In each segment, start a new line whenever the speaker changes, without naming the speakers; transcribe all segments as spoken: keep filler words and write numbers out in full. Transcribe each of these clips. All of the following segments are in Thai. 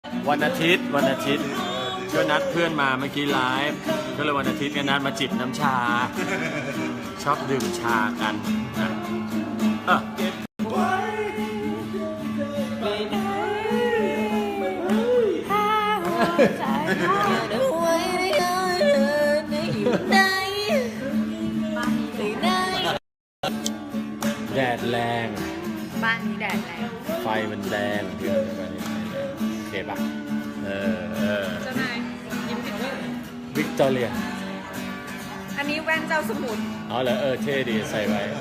วันอาทิตย์วันอาทิตย์ก็นัดเพื่อนมาเมื่อกี้ไลฟ์ก็เลยวันอาทิตย์ก็นัดมาจิบน้ำชาชอบดื่มชากันนะเออแดดแรง
บ้านนี้แดดแรง
ไฟมันแดงเพื่อนบ้านนี้ไฟแดงโอเคปะเออเออ
เจ้านายยิ้มติดเลย
วิกตอเรีย
อันนี้แว่นเจ้าสมุน
อ๋อเหรอเออเท่ดีใส่ไว้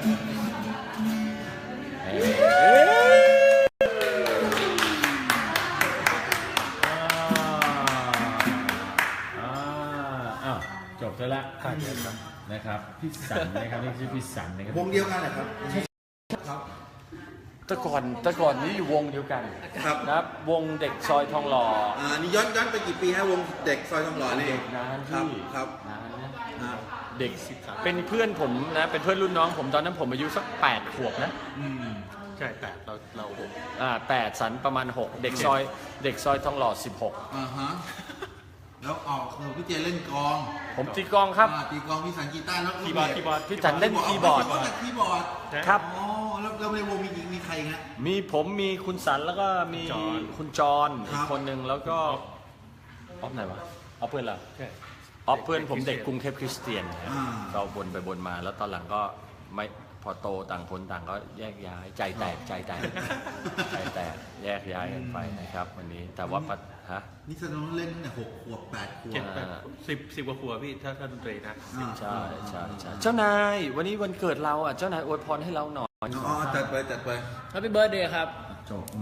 อ้าวจบแล้วละนะครับพี่สันนะครับนี่ชื่อพี่สันนะครับ
วงเดียวกันเหรอครับครับ
แต่ก่อนแต่ก่อนนี้อยู่วงเดียวกัน
ครับ
นะครับวงเด็กซอยทองหล่อ
อ่านี่ย้อนย้อนไปกี่ปีฮะวงเด็กซอยทองหล่อนี่
เด็กนาน
ครับ
ที่
ครับ
นานนะเด็กเป็นเพื่อนผมนะเป็นเพื่อนรุ่นน้องผมตอนนั้นผมอายุสักแปดขวบนะ
อืม
ใช่แปดเราเราหกอ่าแปดสันประมาณหกเด็กซอยเด็กซอยทองหล่อสิบหก
อ่าฮะแล้วออกคือพี่เจเล่นกอง
ผมตีกองครับ
ตีกองพี่สันกีตาร์แล้ว
คีย์บอร์ดคีย์บอร์ดพี่สันเล่นคีย์บอร์ด
คีย์บอร์ด
ครับ
อ๋อแล้วแล้วในวงมีมีใครฮะ
มีผมมีคุณสันแล้วก็มีคุณจอนอีกคนหนึ่งแล้วก็ออฟไหนวะออฟเพื่อนเราออฟเพื่อนผมเด็กกรุงเทพคริสเตียนเราบนไปบนมาแล้วตอนหลังก็ไม่พอโตต่างคนต่างก็แยกย้ายใจแตกใจแตกใจแตกแยกย้ายกันไปนะครับวันนี้แต่ว่าฮะ
นี่แสดงว่าเล่นตั้งแต่หกขวบแปดขวบ
สิบสิบกว่าขวบพี่ถ้าถ้าดนตรีนะ
ใช่ใช่ใช่เจ้านายวันนี้วันเกิดเราอ่ะเจ้านายอวยพรให้เราหน่อย
อ๋อจัดไปจัดไป
Happy Birthday ครับ
จบ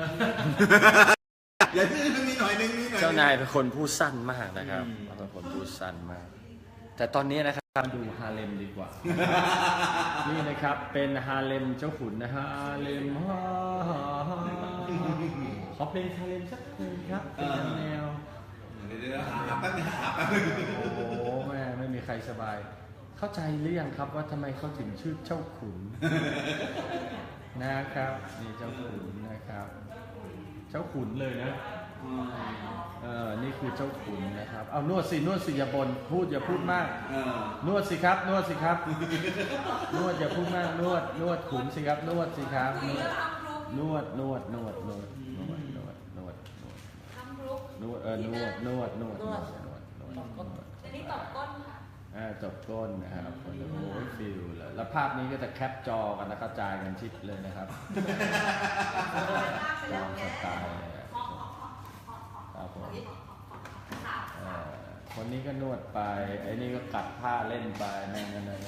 อย่าพี่มีหน่อยนึงมีหน่อย
เจ้านายเป็นคนพูดสั้นมากนะครับเป็นคนพูดสั้นมากแต่ตอนนี้นะครับดูฮาเลมดีกว่านี่นะครับเป็นฮาเลมเจ้าขุนนะฮะฮาเลมขอเพลงฮาเลมสักเพลงครับเป็นแนว
เดี๋ยวหาแป๊บนึงหาแป๊บนึง
โอ้โหแม่ไม่มีใครสบายเข้าใจหรือยังครับว่าทำไมเขาถึงชื่อเจ้าขุนนะครับนี่เจ้าขุนนะครับเจ้าขุนเลยนะเออนี่คือเจ้าขุนนะครับเอานวดสินวดสิอย่าบ่นพูดอย่าพูดมากนวดสิครับนวดสิครับนวดอย่าพูดมากนวดนวดขุนสิครับนวดสิครับนวดนวดนวดนวดนวดนวดนวดนวดเออนวดนวดนวดนวดนวดนวด
อันนี้ตบก้น
อ่าจบก้นนะครับโอ้ยฟิลเลยแล้วภาพนี้ก็จะแคปจอกันแล้วกระจายกันชิดเลยนะครับตามสไตล์ครับผมคนนี้ก็นวดไปไอ้นี่ก็กัดผ้าเล่นไปนั่นนั่นนั่น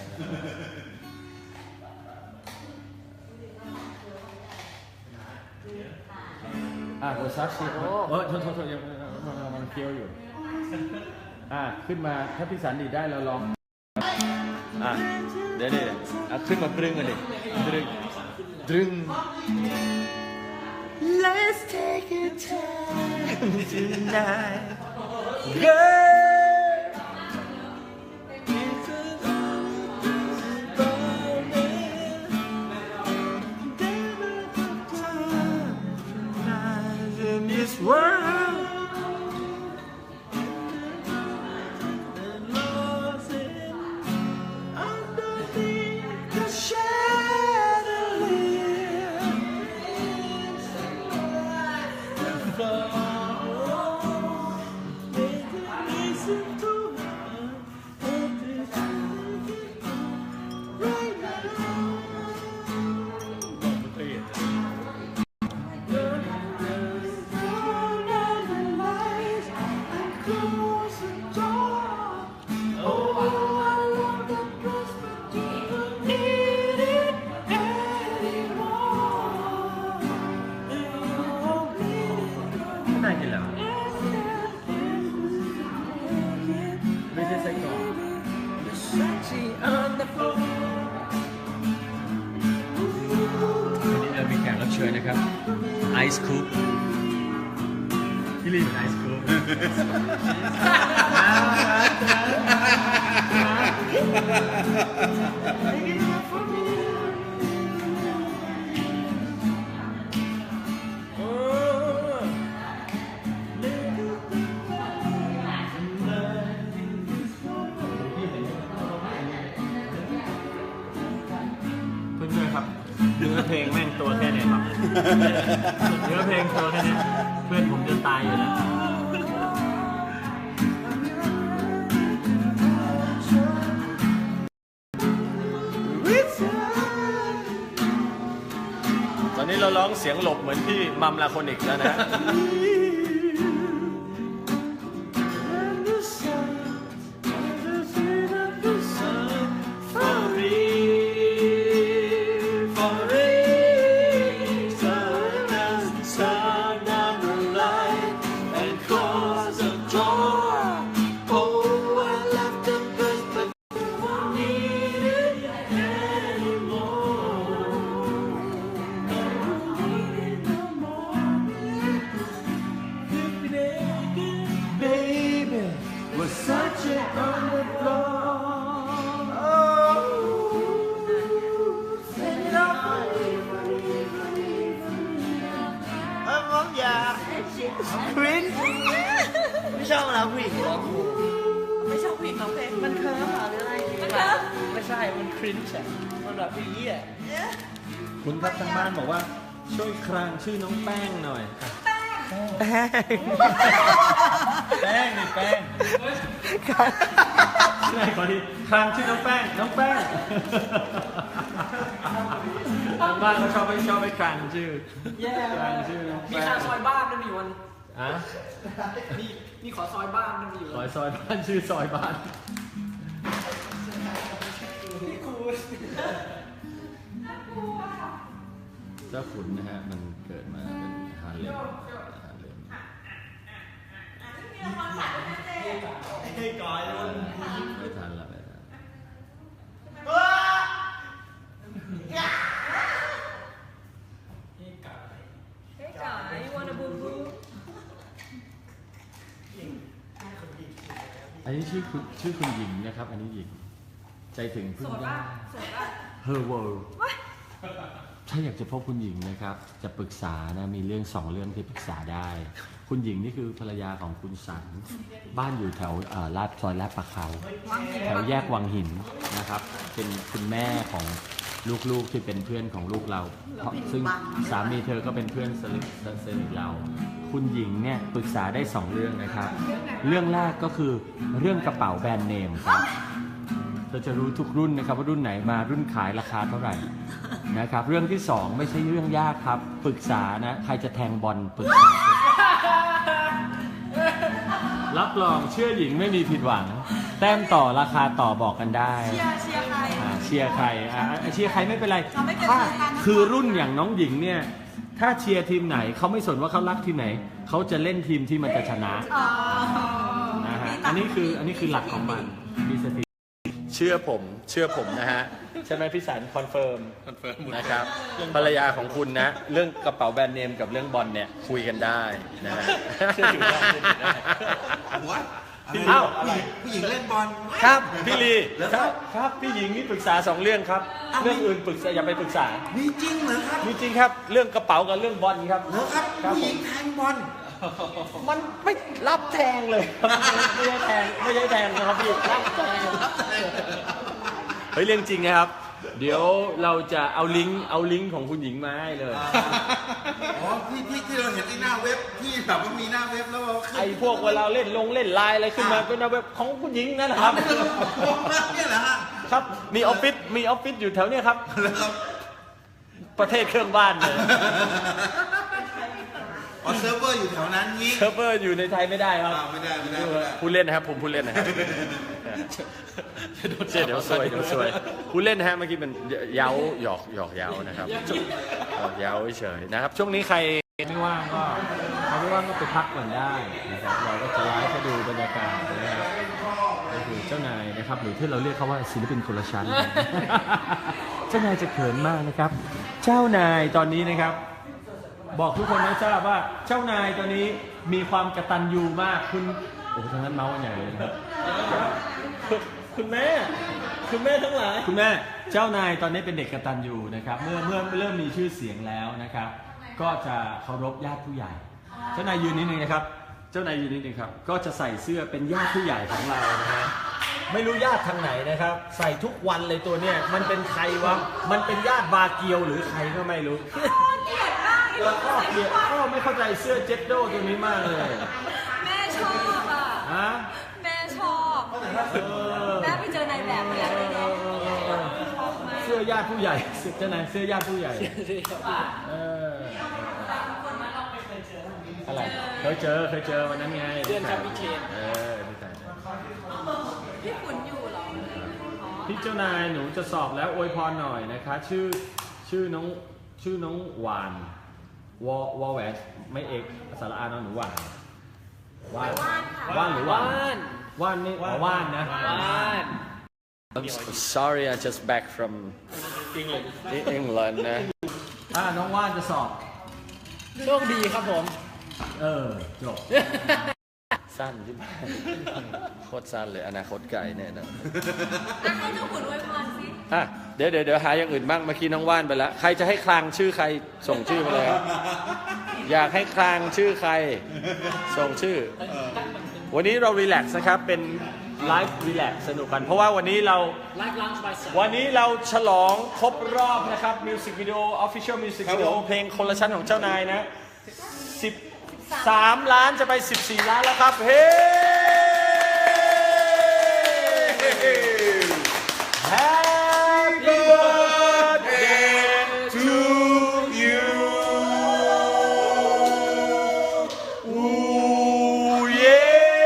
อ่ะโอซักชิโอ้เออโทษโทษโทษยังมันเคี้ยวอยู่อ่ะขึ้นมาถ้าพี่สันดีได้เราลองอ่ะเดี๋ยวเดี๋ยวอ่ะขึ้นมาดึงกันดิดึงดึง Let's take it time tonight girl in this worldเชิญนะครับไอซ์คูปพี่ลีเป็นไอซ์คูปเนื้อเพลงโชว์แค่นี้เพื่อนผมจะตายอยู่แล้วตอนนี้เราร้องเสียงหลบเหมือนพี่มัมลาโคนิกแล้วนะ
ครินไม่ชอบแล้วผู้หญิงร้อง
ไม่ชอบผิดของเพลง
มันเคิร์ฟเหรอหรืออะไร
มันเคิร์ฟ
ไม่ใช่ มันครินช์อะมันแบบพี่ยี่อะ
คุณครับทางบ้านบอกว่าช่วยครางชื่อน้องแป้งหน่อยแป้งแป้งนี่แป้งใช่ขอดีครางชื่อน้องแป้งน้องแป้งทางบ้านเขาชอบไม่ชอบไม่ครางชื่อครางชื่อน้อง
มี
แป้ง
ค่าซอยบ้านด้วยมีวัน
อะ
มีมีขอซอยบ้านด้วยมีอยู่
ซอยซอยบ้านชื่อซอยบ้านเจ้าขุนนะฮะมันเกิดมาเป็นฮาเลมฮาเลม
ให้ก่อน
ไม่ทันละไม่ทัน
เฮ้ยจ๋า you wanna boo boo
อันนี้ชื่อคุณชื่อคุณหญิงนะครับ อันนี้หญิงใจถึงพึ่
โส
ง
ด
ได้
ป่ะโสดป่ะ
Her World ถ้าอยากจะพบคุณหญิงนะครับ จะปรึกษานะมีเรื่องสองเรื่องที่ปรึกษาได้ คุณหญิงนี่คือภรรยาของคุณสันบ้านอยู่แถวเอ่อลาดซอยลาดประเขาแถวแยกวังหินนะครับ เป็นคุณแม่ของลูกๆที่เป็นเพื่อนของลูกเราเพราะซึ่งสามีเธอก็เป็นเพื่อนสนิทสนิทเรา คุณหญิงเนี่ยปรึกษาได้สองเรื่องนะครับ เรื่องแรกก็คือเรื่องกระเป๋าแบรนด์เนมครับ เราจะรู้ทุกรุ่นนะครับว่ารุ่นไหนมารุ่นขายราคาเท่าไหร่นะครับ เรื่องที่สองไม่ใช่เรื่องยากครับปรึกษานะใครจะแทงบอลปรึกษารับรองเชื่อหญิงไม่มีผิดหวัง แต้มต่อราคาต่อบอกกันได้
เชียร์เชียร์ใคร
อ่าเชียร์ใครอ่าเชียร์ใครไม่เป็นไร
เราไม่เกิน
ถ้า
เชียร์กัน
คือรุ่นอย่างน้องหญิงเนี่ยถ้าเชียร์ทีมไหนเขาไม่สนว่าเขารักทีมไหนเขาจะเล่นทีมที่มันจะชนะ
อ๋อ
นะฮะอันนี้คืออันนี้คือหลักของมันมีสติเชื่อผมเชื่อผมนะฮะใช่ไหมพี่สันคอนเฟิร์ม
คอนเฟิร์มหมด
นะครับภรรยาของคุณนะ เรื่องกระเป๋าแบรนด์เนมกับเรื่องบอลเนี่ยคุยกันได้นะฮะ
เชื่อถือได้เชื่อถือได้
หัวอะไร
เอ้า
ผู้หญิงผู้หญิงเล่นบอล
ครับพี่ลีครับครับพี่หญิงนี่ปรึกษาสองเรื่องครับ เรื่องอื่นปรึกษาอย่าไปปรึกษา
มีจริงเหรอครับ
มีจริงครับเรื่องกระเป๋ากับเรื่องบอลครับ
เหรอครับ
ครับ
ผู้ห
ผ
ญิ
ม
งแทงบอล
มันไม่รับแทงเลยไม่ใช่แทงไม่ใช่แทงนะครับพี่รับแทงเฮ้ยเรื่องจริงนะครับ เดี๋ยวเราจะเอาลิงก์เอาลิงก์ของคุณหญิงมาให้เลย
อ๋อที่ที่ที่เราเห็นในหน้าเว็บที่แบบว่ามีหน้าเว็บแล้วเราขึ้น
ไอ้พวกเวลาเล่นลงเล่นไลน์อะไรขึ้นมาเป็นเว็บของคุณหญิงนั่นนะครับ
เนี่ยเหรอฮะ
ครับมีออฟฟิศมีออฟฟิศอยู่แถวเนี้ยครับ
แล้วครับ
ประเทศเครื่องบ้านเลย
อ๋อเซิร์ฟเวอร์อยู่แถวนั้นงี้
เซิร์ฟเวอร์อยู่ในไทยไม่ได้ครับ
อ่าไม่ได้ไม่ได้ไม่ได้
ผู้เล่นนะครับผมผู้เล่นนะครับเจ๊เดี๋ยวซวยเดี๋ยวซวยผู้เล่นนะฮะเมื่อกี้เป็นเย้าหยอกหยอกเย้านะครับหยอกเย้าเฉยนะครับช่วงนี้ใครไม่ว่างก็ใครไม่ว่างก็ไปพักก่อนได้นะครับเราก็จะไลฟ์ให้ดูบรรยากาศนะครับก็คือเจ้านายนะครับหรือที่เราเรียกเขาว่าศิลปินคนละชั้น เจ้านายจะเขินมากนะครับ เจ้านายตอนนี้นะครับ บอกทุกคนให้ทราบว่าเจ้านายตอนนี้มีความกตัญญูมากคุณโอ้โหทั้งนั้นเมาส์กันใหญ่เลยนะครับคุณแม่คุณแม่ทั้งหลายคุณแม่เจ้านายตอนนี้เป็นเด็กกตัญญูนะครับเมื่อเมื่อเริ่มมีชื่อเสียงแล้วนะครับ ก็จะเคารพญาติผู้ใหญ่ เจ้านายยืนนิดนึงนะครับ เจ้านายยืนนิดนึงครับก็จะใส่เสื้อเป็นญาติผู้ใหญ่ของเรานะฮะไม่รู้ญาติทางไหนนะครับ ใส่ทุกวันเลยตัวเนี้ยมันเป็นใครวะมันเป็นญาติบาเกียวหรือใครก็ไม่รู้
เกลียดมาก
แล้วก็เกลียดก็ไม่เข้าใจเสื้อเจ็ตโดตัวนี้มากเลย
แม่ชอบอ่ะ
ฮะ
แม่ชอบ
เออ
แม่ไปเจอในแบบเนี้ยเลยเนี่ยชอบมาก
เสื้อญาติผู้ใหญ่เสื้อเจ้านายเสื้อญาติผู้ใหญ่เอออะไรเคยเจอเคยเจอวันนั้นไง
เดือนจำพิเชน
เออที่ใส่นะ
พี่ขุนอยู่เหรออ๋อ
พี่เจ้านายหนูจะสอบแล้วอวยพรหน่อยนะคะ ชื่อชื่อน้องชื่อน้องหวานวอวอแหวนไม่เอกสาระอานอนหนูหวานว่านว่านหรือหวาน
ว่าน
ว่านนี่อ๋อว่านนะ
ว่าน
I'm sorry I just back from England นะอ่าน้องว่านจะสอบ
โชคดีครับผม
เออจบ สั้นใช่ไหมโคตรสั้นเลยอนาคตไกลเนี่ยนะ
อ่ะให้เจ้าขุนอวยพรสิ
อ่ะเดี๋ยวเดี๋ยวเดี๋ยวหาอย่างอื่นบ้างเมื่อกี้น้องว่านไปแล้วใครจะให้คลางชื่อใครส่งชื่อมาเลยครับอยากให้คลางชื่อใครส่งชื่อ วันนี้เรารีแลกซ์นะครับเป็นไลฟ์รีแลกซ์สนุกกัน เพราะว่าวันนี้เรา
ไลฟ์ลันช์บายสอง
วันนี้เราฉลองครบรอบนะครับมิวสิกวิดีโอออฟฟิเชียลมิวสิกวิดีโอเพลงคนละชั้นของเจ้านายนะสิบสามล้านจะไปสิบสี่ล้านแล้วครับเฮ้ Happy birthday to you อู้เย้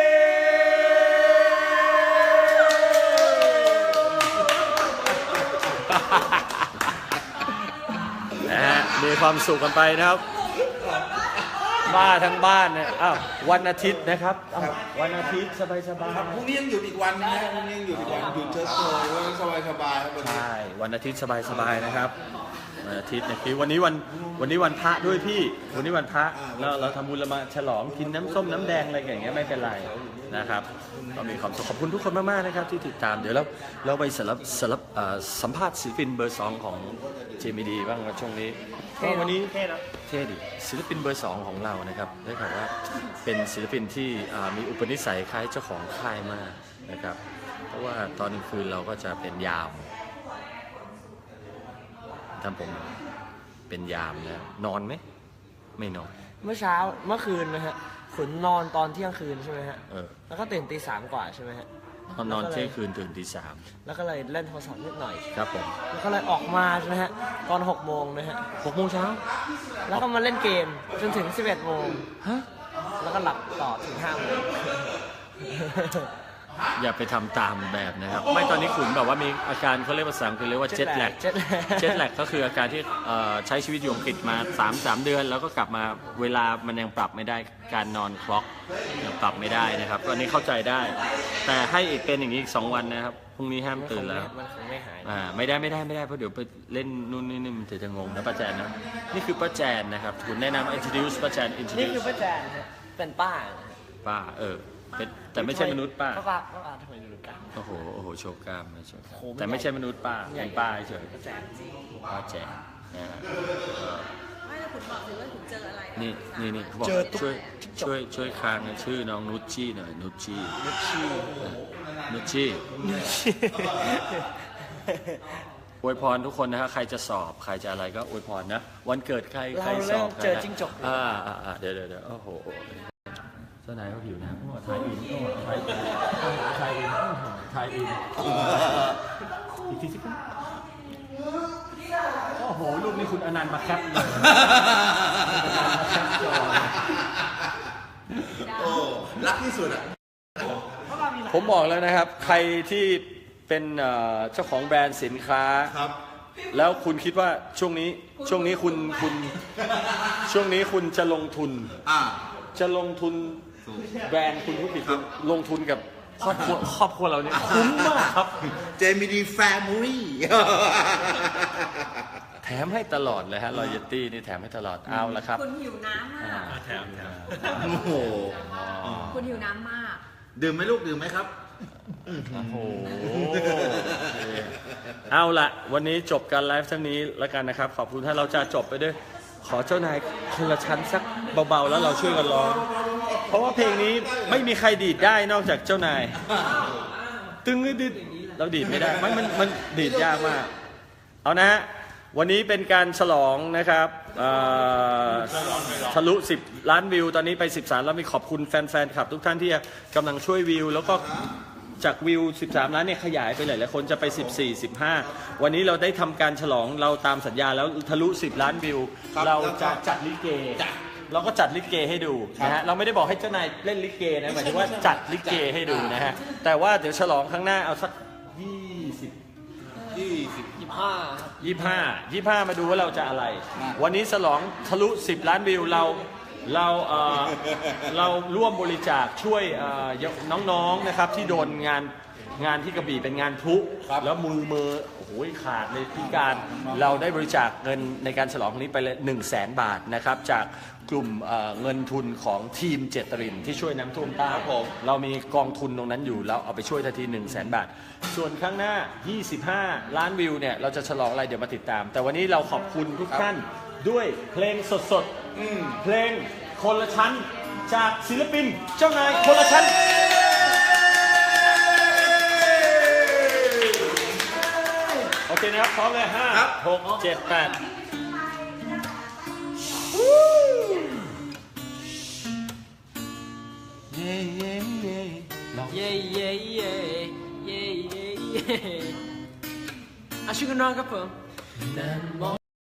นะฮะมีความสุขกันไปนะครับ บ้าทั้งบ้านเนี่ยอ้าววันอาทิตย์นะครับอ้าววันอาทิตย์สบายสบาย
ครับพรุ่งนี้ยังหยุดอีกวันนะพรุ่งนี้ยังหยุดอีกวันหยุดเชิดโชยวันสบายสบายๆครับวันนี้
ใช่วันอาทิตย์สบายสบายนะครับวันอาทิตย์เนี่ยคือวันนี้วันวันนี้วันพระด้วยพี่วันนี้วันพระเราเราทำบุญเรามาฉลองกินน้ำส้มน้ำแดงอะไรอย่างเงี้ยไม่เป็นไรนะครับก็มีความสุขขอบคุณทุกคนมากๆนะครับที่ติดตามเดี๋ยวเราเราไปสลับสลับเอ่อสัมภาษณ์ศิลปินเบอร์สองของเจมิดีบ้างครับช่วงนี้ก็วันนี้
เท่นะ
เท่ดิศิลปินเบอร์สองของเรานะครับได้ข่าวว่าเป็นศิลปินที่อ่ามีอุปนิสัยคล้ายเจ้าของค่ายมากนะครับเพราะว่าตอนกลางคืนเราก็จะเป็นยามทำผมเป็นยามนะนอนไหมไม่นอน
เมื่อเช้าเมื่อคืนนะฮะขุนนอนตอนเที่ยงคืนใช่ไหมฮะ
เออ
แล้วก็ตื่นตีสามกว่าใช่ไหมฮะ
ตอนนอนเที่ยงคืนตื่นตีสาม
แล้วก็เลยเล่นโทรศัพท์นิดหน่อย
ครับผม
แล้วก็เลยออกมาใช่ไหมฮะตอนหกโมงนะฮะ
หกโมงเช้า
แล้วก็มาเล่นเกมจนถึงสิบเอ็ดโมง
ฮะ
แล้วก็หลับต่อถึงห้าโมง
อย่าไปทำตามแบบนะครับ ไม่ตอนนี้ขุนแบบว่ามีอาการเขาเรียกภาษาอังกฤษเรียกว่าเจ็ตแลก
เจ็ตแลก
เจ็ตแลกก็คืออาการที่เอ่อใช้ชีวิตอยู่อังกฤษมาสามสามเดือน แล้วก็กลับมาเวลามันยังปรับไม่ได้การนอนคล็อกยังปรับไม่ได้นะครับก็อันนี้เข้าใจได้ แต่ให้อีกเป็นอย่างนี้อีกสองวันนะครับพรุ่งนี้ห้ามตื่นแล้ว
มันคงไม่หาย
อ่าไม่ได้ไม่ได้ไม่ได้เพราะเดี๋ยวไปเล่นนู่นนี่นี่มันจะจะงงนะป้าแจนนะนี่คือป้าแจนนะครับคุณแนะนำ introduce ป้าแจน
นี่
introduce
คือป้าแจนฮะเป็นป้านะฮะ
ป้าเออเป็นแต่ไม่ใช่มนุษย์ป้า
ป้าป้าป้าป้าทำไมรู้กัน
โอ้โหโอ้โหโชว์กล้ามไม่โชว์กล้าม
โอ้โหมัน
แต่ไม่ใช่มนุษย์ป้า
ใหญ่
เป็นป้าเฉย
ป้าแจน
ป้าแจนนะฮะเออ
ไม่แต่ขุนบอกสิว่าขุนเจออะไร
นี่นี่นี่เขาบอกช่วยช่วยช่วยค้างชื่อน้องนุชชี่หน่อยนุชชี่นุชชี่นุชชี่อวยพรทุกคนนะฮะใครจะสอบใครจะอะไรก็อวยพรนะวันเกิดใครใครสอบ
เจอจิ้งจก
อ่าอ่าอ่าเดี๋ยวเดี๋ยวเดี๋ยวโอ้โหเจ้านายเขาผิวนะโอ้ไทยอินโอ้ไทยอินโอ้ไทยอินโอ้ไทยอินอีกทีสิครับโอ้โหรูปนี้คุณอนันต์มาแคปเลยมาแคปจอ
โอ้รักที่สุดอ่ะ
ผมบอกแล้วนะครับ ใครที่เป็นเอ่อเจ้าของแบรนด์สินค้า
ครับ
แล้วคุณคิดว่าช่วงนี้ช่วงนี้คุณคุณช่วงนี้คุณจะลงทุน
อ่า
จะลงทุนแบรนด์คุณผู้ผิดลงทุนกับครอบครัวครอบครัวเราเนี่ยคุ้มมากครับ
เจมิดีแฟมิลี่
แถมให้ตลอดเลยฮะรอยตี้นี่แถมให้ตลอดเอาละครับ
คุณหิวน้ำมาก
แถมแถม
โอ้โห
คุณหิวน้ำมาก
ดื่มไหมลูกดื่มไหมครับ
โอ้โหเอาละวันนี้จบการไลฟ์เท่านี้แล้วกันนะครับ ขอบคุณถ้าเราจะจบไปด้วยขอเจ้านายคนละชั้นสักเบาๆแล้วเราช่วยกันร้องเพราะว่าเพลงนี้ไม่มีใครดีดได้นอกจากเจ้านาย ตึงดิดเราดีดไม่ได้มันมันมันดีดยากมากเอานะฮะวันนี้เป็นการฉลองนะครับเอ่อทะลุสิบล้านวิวตอนนี้ไปสิบสามแล้วมีขอบคุณแฟนๆครับทุกท่านที่กำลังช่วยวิวแล้วก็จากวิวสิบสามล้านเนี่ยขยายไปหลายๆคนจะไปสิบสี่ สิบห้าวันนี้เราได้ทำการฉลองเราตามสัญญาแล้วทะลุสิบล้านวิวเราจะจัดลิเกเราก็จัดลิเกให้ดูนะฮะเราไม่ได้บอกให้เจ้านายเล่นลิเกนะหมายถึงว่าจัดลิเกให้ดูนะฮะแต่ว่าเดี๋ยวฉลองครั้งหน้าเอาสักยี่สิบ
ยี่สิบ
ยี่ห้า
ยี่ห้ายี่ห้ามาดูว่าเราจะอะไร วันนี้ฉลองทะลุสิบล้านวิวเราเราเอ่อเราร่วมบริจาคช่วยเอ่อน้องๆนะครับที่โดนงานงานที่กระบี่เป็นงานพลุแล้วมือมือโอ้โหขาดเลยพิการเราได้บริจาคเงินในการฉลองครั้งนี้ไปเลยหนึ่งแสนบาทนะครับจากกลุ่มเอ่อเงินทุนของทีมเจตรินที่ช่วยน้ำท่วมใต้เรามีกองทุนตรงนั้นอยู่เราเอาไปช่วยทันทีหนึ่งแสนบาทส่วนข้างหน้ายี่สิบห้าล้านวิวเนี่ยเราจะฉลองอะไรเดี๋ยวมาติดตาม แต่วันนี้เราขอบคุณทุกท่านด้วยเพลงสดๆเพลงคนละชั้นจากศิลปินเจ้านายคนละชั้นโอเคนะครับพร้อมเลยห้าหกเจ็ดแปดเย่เย่เย่ลอง
เย่เย่เย่เย่เย่เย่อาชิคุนอนครับผม